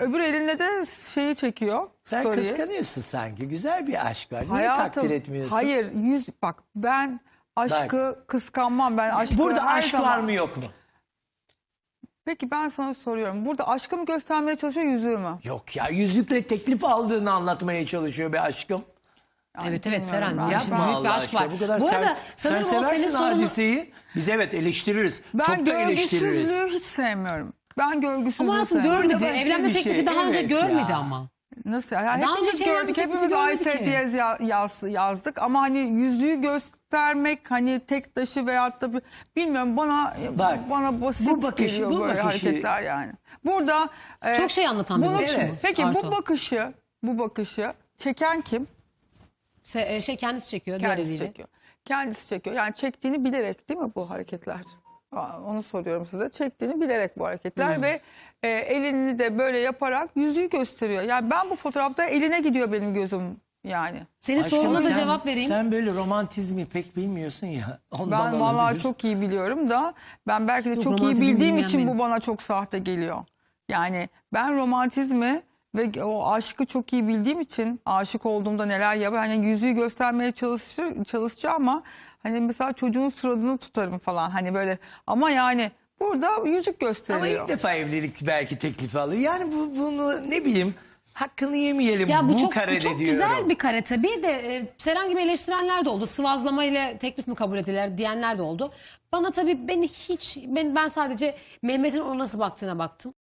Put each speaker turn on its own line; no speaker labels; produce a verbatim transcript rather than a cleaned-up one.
öbür eline de şeyi çekiyor.
Sen
story'i.
kıskanıyorsun sanki. Güzel bir aşk var. Niye
Hayatım,
takdir etmiyorsun?
hayır, yüz bak ben aşkı kıskanmam, ben aşkı
Burada
her
aşk
zaman-
var mı yok mu?
Peki ben sana soruyorum. Burada aşkı mı göstermeye çalışıyor, yüzüğü mü?
Yok ya, yüzükle teklif aldığını anlatmaya çalışıyor be aşkım.
Yani
Evet evet
bilmiyorum
Seren.
ben.
bu
Yapma
büyük bir
Allah
aşk
aşkına,
var.
bu kadar
Bu arada
sert. Sen
sanırım o senin
seversin
sorunu-
hadiseyi. Biz evet eleştiririz.
Ben
Çok da eleştiririz.
görgüsüzlüğü hiç sevmiyorum. Ben görgüsüzlüğü
Ama hayatım
sevmiyorum.
görmedi.
başka
Evlenme
bir
teklifi
şey,
daha önce
evet
görmedi
ya.
ama.
Nasıl? Yani
Daha önce
hepimiz
hiç evlenme
gördük,
teklifi
hepimiz
görmedi
Aysel
ki.
Diyez ya- yaz, yazdık. Ama hani yüzüğü göstermek, hani tek taşı veyahut da bir, bilmiyorum, bana
Bak,
bana basit
bu bakış-
geliyor
bu
böyle
bakışı-
hareketler yani. Burada e,
Çok şey anlatan bir
bunu-
bakış
bu.
Peki
Arto.
bu bakışı, bu bakışı çeken kim?
Se- e, şey kendisi çekiyor diğer
Kendisi
eliyle.
çekiyor. Kendisi çekiyor. Yani çektiğini bilerek değil mi bu hareketler? Aa, onu soruyorum size. Çektiğini bilerek bu hareketler
Hmm.
ve e, elini de böyle yaparak yüzüğü gösteriyor. Yani ben bu fotoğrafta eline gidiyor benim gözüm yani.
Senin
Aşkım,
soruna da
sen-
cevap vereyim.
Sen böyle romantizmi pek bilmiyorsun ya. Ondan
Ben vallahi
olabilir.
çok iyi biliyorum da ben belki de
Yok,
çok iyi
romantizm
bildiğim
bilmeyen
için
benim.
bu bana çok sahte geliyor. Yani ben romantizmi ve o aşkı çok iyi bildiğim için aşık olduğumda neler yapar. Hani yüzüğü göstermeye çalışır, çalışacağım ama hani mesela çocuğun suratını tutarım falan hani böyle, ama yani burada yüzük
Ama
gösteriyor.
ilk defa evlilik belki teklifi alıyor. Yani bu, bunu ne bileyim, hakkını yemeyelim
Ya bu,
bu,
çok, bu
karede
çok
diyorum.
güzel bir kare tabii de e, Seren gibi eleştirenler de oldu. Sıvazlama ile teklif mi kabul edilir diyenler de oldu. Bana tabii beni hiç ben ben sadece Mehmet'in ona nasıl baktığına baktım.